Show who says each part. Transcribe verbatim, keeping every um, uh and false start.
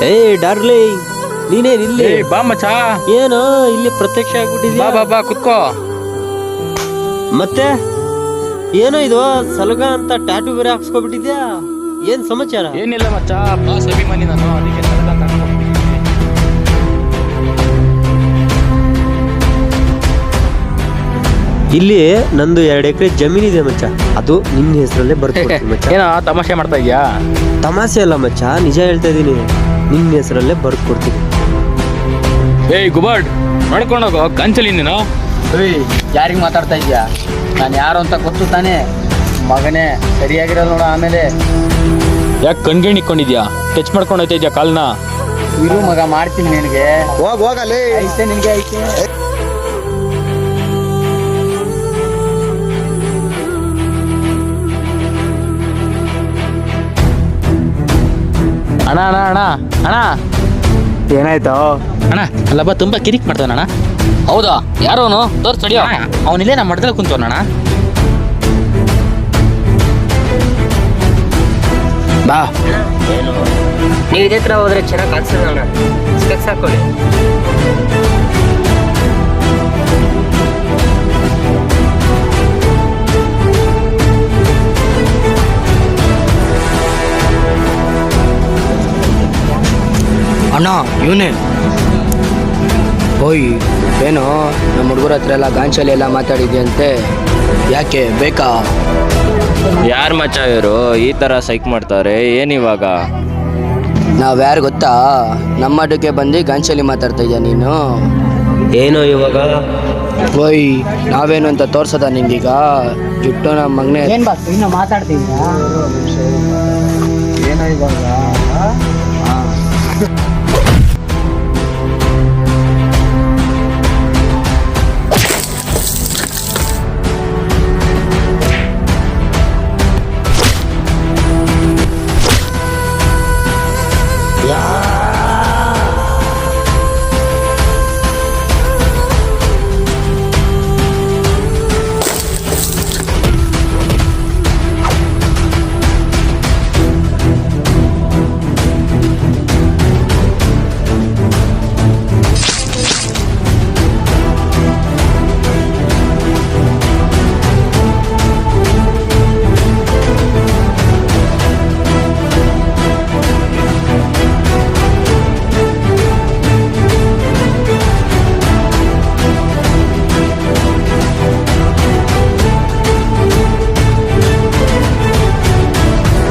Speaker 1: ಏ ಡಾರ್ಲಿಂಗ್, ನೀನೇನ್ ಇಲ್ಲಿ?
Speaker 2: ಬಾ ಮಚ್ಚ.
Speaker 1: ಏನೋ ಇಲ್ಲಿ ಪ್ರತ್ಯಕ್ಷ ಆಗ್ಬಿಟ್ಟಿದ್ಯಾ?
Speaker 2: ಬಾ ಬಾ ಕುತ್ಕೋ.
Speaker 1: ಮತ್ತೆ ಏನೋ ಇದು ಸಲಗ ಅಂತ ಟ್ಯಾಟೂ ಬೇರೆ ಹಾಕ್ಸ್ಕೊಬಿಟ್ಟಿದ್ಯಾ? ಏನ್ ಸಮಾಚಾರ?
Speaker 2: ಏನಿಲ್ಲ ಮಚ್ಚ, ಬಾಸ್ ಅಭಿಮಾನಿ ನಾನು, ಅದಕ್ಕೆ ಸಲಗ ಅಂತ ಹಾಕ್ಸ್ಕೊಂಡ್ಬಿಟ್ಟಿದ್ದೀನಿ.
Speaker 1: ಇಲ್ಲಿ ನಂದು ಎರಡು ಎಕರೆ ಜಮೀನಿದೆ ಮಚ್ಚ, ಅದು ನಿನ್ನ ಹೆಸರಲ್ಲೇ ಬರ್ಕೊಡ್ತೀನಿ ಮಚ್ಚ.
Speaker 2: ಏನೋ ತಮಾಷೆ ಮಾಡ್ತಾ ಇದ್ಯಾ?
Speaker 1: ತಮಾಷೆ ಅಲ್ಲ ಮಚ್ಚ, ನಿಜ ಹೇಳ್ತಾ ಇದೀನಿ. ನಿನ್ನ ಹೆಸರಲ್ಲೇ ಬರ್ಕೊಡ್ತೀನಿ.
Speaker 2: ಏಯ್ ಗುಬಾಡ್, ನೋಡ್ಕೊಂಡೋಗೋ ಕಂಚಲಿ ನೀನು.
Speaker 3: ಯಾರಿಗೆ ಮಾತಾಡ್ತಾ ಇದ್ಯಾ? ನಾನು ಯಾರು ಅಂತ ಗೊತ್ತು ತಾನೇ ಮಗನೇ. ಸರಿಯಾಗಿರೋದು ನೋಡ. ಆಮೇಲೆ
Speaker 2: ಯಾಕೆ ಕಣ್ಗೇಣ್ ಇಕ್ಕೊಂಡಿದ್ಯಾ? ಟಚ್ ಮಾಡ್ಕೊಂಡು ಹೋಯ್ತಾ ಇದ್ಯಾ ಕಾಲ್ನ?
Speaker 3: ಇರು ಮಗ, ಮಾಡ್ತೀನಿ ನಿನಗೆ.
Speaker 4: ಹೋಗ್ ಹೋಗಲಿ.
Speaker 3: ಐತೆ ನಿನಗೆ ಐತೆ.
Speaker 2: ಅಣ್ಣ ಅಣ್ಣ ಅಣ್ಣ ಅಣ್ಣ
Speaker 3: ಏನಾಯ್ತು
Speaker 2: ಅಣ್ಣ, ಅಲ್ಲಬ್ಬ ತುಂಬಾ ಕಿರಿಕ್ ಮಾಡ್ತಾನಣ್ಣ. ಹೌದಾ? ಯಾರೋನು ತೋರ್ಸ್ ತಡಿಯೋ. ಅವನಿಲ್ಲೇ ನಮ್ಮ ಮಠದಲ್ಲಿ ಕುಂತವನಣ್ಣ. ಬಾ.
Speaker 5: ನೀವು ಇದೇ ಥರ ಹೋದ್ರೆ ಚೆನ್ನಾಗಿ ಕಾಣಿಸಲ್ಲ ಅಣ್ಣ. ಸ್ಪೆಕ್ಸ್ ಹಾಕೊಳ್ಳಿ.
Speaker 3: ಅಣ್ಣ ಇವನೇ. ಓಯ್ ಏನೋ ನಮ್ಮ ಹುಡುಗರ ಹತ್ರ ಎಲ್ಲ ಗಾಂಚಲಿ ಎಲ್ಲ ಮಾತಾಡಿದ್ಯಂತೆ, ಯಾಕೆ ಬೇಕಾ?
Speaker 6: ಯಾರು ಮಚ್ಚ ಇವರು ಈ ಥರ ಸೈಕ್ ಮಾಡ್ತಾರೆ? ಏನಿವಾಗ?
Speaker 3: ನಾವು ಯಾರು ಗೊತ್ತಾ? ನಮ್ಮ ಮಠಕ್ಕೆ ಬಂದು ಗಾಂಚಲಿ ಮಾತಾಡ್ತಾ ಇದೆಯಾ ನೀನು?
Speaker 1: ಏನೋ ಇವಾಗ?
Speaker 3: ಓಯ್ ನಾವೇನು ಅಂತ ತೋರ್ಸದ ನಿಂಗೀಗ? ಜುಟ್ಟು ನಮ್ಮ ಮಗನೇ. ಏನು ಬಾ ಇನ್ನು ಮಾತಾಡ್ತಿದ್ದೀರಾ? ಏನೋ ಇವಾಗ